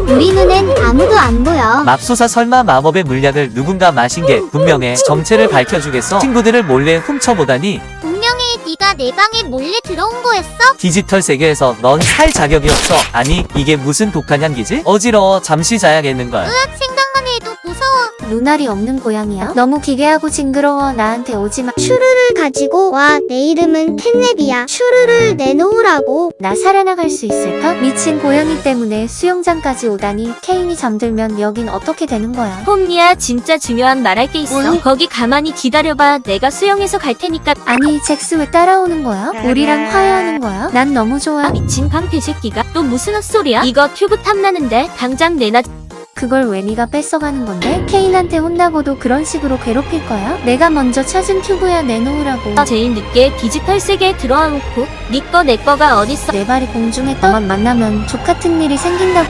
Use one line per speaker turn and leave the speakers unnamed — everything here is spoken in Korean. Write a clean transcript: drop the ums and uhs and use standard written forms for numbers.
우리 눈엔 아무도 안 보여.
맙소사 설마 마법의 물약을 누군가 마신 게 분명해. 정체를 밝혀주겠어. 친구들을 몰래 훔쳐보다니.
분명히 네가 내 방에 몰래 들어온 거였어?
디지털 세계에서 넌 살 자격이 없어. 아니 이게 무슨 독한 향기지? 어지러워. 잠시 자야겠는걸.
으악, 생각만 해도 무서워.
눈알이 없는 고양이야? 너무 기괴하고 징그러워. 나한테 오지마.
슈르를 가지고 와. 내 이름은 캣냅이야. 슈르를 내놓으라고.
나 살아나갈 수 있을까? 미친 고양이 때문에 수영장까지 오다니. 케인이 잠들면 여긴 어떻게 되는 거야?
홈리야, 진짜 중요한 말할 게 있어. 거기 가만히 기다려봐. 내가 수영해서 갈 테니까.
아니 잭스 왜 따라오는 거야? 우리랑 화해하는 거야? 난 너무 좋아.
미친 방패 새끼가 또 무슨 헛소리야? 이거 튜브 탐나는데 당장 내놔.
그걸 왜 네가 뺏어가는 건데? 케인한테 혼나고도 그런 식으로 괴롭힐 거야? 내가 먼저 찾은 튜브야. 내놓으라고.
제일 늦게 디지털 세계에 들어와 놓고 네 거 내 거가 어딨어.
내 발이 공중에 떠만 만나면 족같은 일이 생긴다고.